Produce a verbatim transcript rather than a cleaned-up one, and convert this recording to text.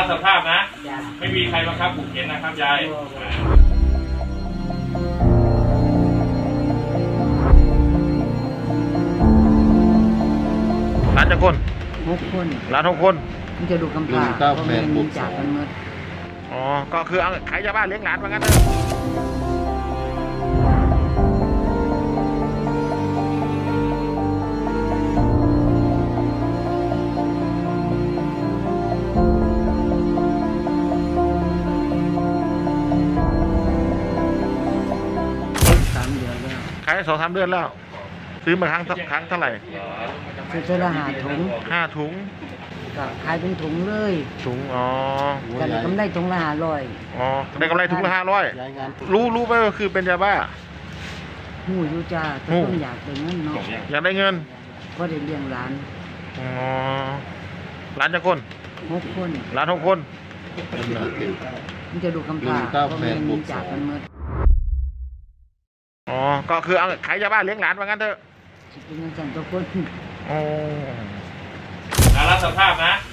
สภาพนะไม่มีใครบังคับขู่เข็นนะครับยายร้านจะคนหกคนร้านหกคนมันจะดูกำพร้าเพราะแม่มีจากกันหมดอ๋อก็คือเอาขายยาบ้าเลี้ยงหลานว่างั้นเถอะสามเดือนแล้วขายสองสามเดือนแล้วซื้อมาครั้งครั้งเท่าไหร่ซื้อเท่าละห้าถุงห้าถุงก็ขายเป็นถุงเลยถุงอ๋อแต่ได้กำไรถุงละห้าร้อยอ๋อได้กำไรถุงละห้าร้อยรู้รู้ไหมว่าคือเป็นยาบ้าหูอยู่จ้าต้องอยากได้เงินเนาะอยากได้เงินก็ได้เลี้ยงหลานอ๋อร้านจะคนหกคนร้านหกคนมันจะดูกำพร้าเพราะแม่มีจากกันหมดอ๋อก็คือเอาขายยาบ้าเลี้ยงหลานว่างั้นเถอะเป็นจังทุกคนอ๋อรับสภาพนะ